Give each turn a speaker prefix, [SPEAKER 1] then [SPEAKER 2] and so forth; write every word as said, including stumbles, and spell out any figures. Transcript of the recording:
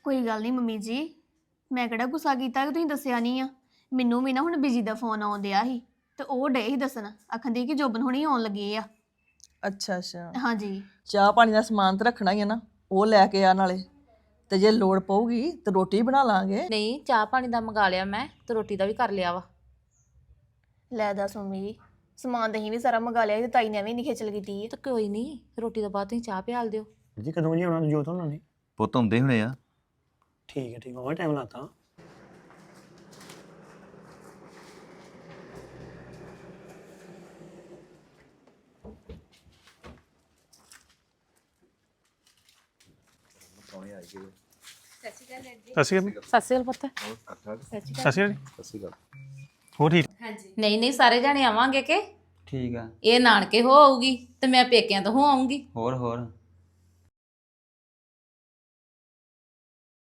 [SPEAKER 1] ਕੋਈ ਗੱਲ ਨਹੀਂ ਮੰਮੀ ਜੀ, ਮੈਂ ਕਿਹੜਾ ਗੁੱਸਾ ਕੀਤਾ ਕਿ ਤੁਸੀਂ ਦੱਸਿਆ ਨਹੀਂ ਆ। ਮੈਨੂੰ ਵੀ ਨਾ ਹੁਣ ਬਿਜੀ ਦਾ ਫੋਨ ਆਉਣ ਡਿਆ ਸੀ ਤੇ ਉਹ ਡੇ ਹੀ ਦੱਸਣ, ਆਖੰਦੀ ਕਿ ਜੋਬਨ ਹੁਣੀ ਆਉਣ ਲੱਗੇ ਆ।
[SPEAKER 2] ਅੱਛਾ ਅੱਛਾ
[SPEAKER 1] ਹਾਂਜੀ
[SPEAKER 2] ਚਾਹ ਪਾਣੀ ਦਾ ਸਮਾਨ ਤਾਂ ਰੱਖਣਾ ਹੀ ਆ ਨਾ, ਉਹ ਲੈ ਕੇ ਆ ਨਾਲੇ। ਤੇ ਜੇ ਲੋੜ ਪਊਗੀ ਤੇ ਰੋਟੀ ਬਣਾ ਲਾਂਗੇ।
[SPEAKER 3] ਨਹੀਂ ਚਾਹ ਪਾਣੀ ਦਾ ਮੰਗਾ ਲਿਆ ਮੈਂ ਤੇ ਰੋਟੀ ਦਾ ਵੀ ਕਰ ਲਿਆ ਵਾ।
[SPEAKER 1] ਲੈ ਦੱਸ ਮੰਮੀ ਜੀ, ਸਮਾਨ ਤਾਂ ਅਸੀਂ ਵੀ ਸਾਰਾ ਮੰਗਾ ਲਿਆ ਸੀ ਤੇ ਤਾਈ ਨੇ ਵੀ ਨਹੀਂ ਖੇਚਲ ਕੀਤੀ ਹੈ।
[SPEAKER 3] ਤੇ ਕੋਈ ਨਹੀਂ ਰੋਟੀ ਤੋਂ ਬਾਅਦ ਤੁਸੀਂ ਚਾਹ ਪਿਆਲ ਦਿਓ।
[SPEAKER 4] ਜੀ ਕਦੋਂ ਜੀ ਆਉਣਾ ਜੋਤ ਉਹਨਾਂ ਨੇ?
[SPEAKER 5] ਪੁੱਤ ਆਉਂਦੇ ਹੋਣੇ ਆ।
[SPEAKER 4] ਠੀਕ ਹੈ ਠੀਕ ਹੈ, ਉਹ ਟਾਈਮ ਲਾਤਾ।
[SPEAKER 6] ਸਤਿ ਸ਼੍ਰੀ ਅਕਾਲ
[SPEAKER 3] ਸਤਿ ਸ਼੍ਰੀ ਅਕਾਲ ਪੁੱਤ।
[SPEAKER 6] ਸਤਿ ਸ਼੍ਰੀ ਅਕਾਲ ਹੋ ਠੀਕ
[SPEAKER 3] ਨਹੀਂ ਨਹੀਂ ਸਾਰੇ ਜਾਣੇ ਆਵਾਂਗੇ ਕਿ
[SPEAKER 7] ਠੀਕ ਆ।
[SPEAKER 3] ਇਹ ਨਾਨਕੇ ਹੋ ਆਊਗੀ ਤੇ ਮੈਂ ਪੇਕਿਆਂ ਤੋਂ ਹੋ ਆਉਂਗੀ।
[SPEAKER 7] ਹੋਰ ਹੋਰ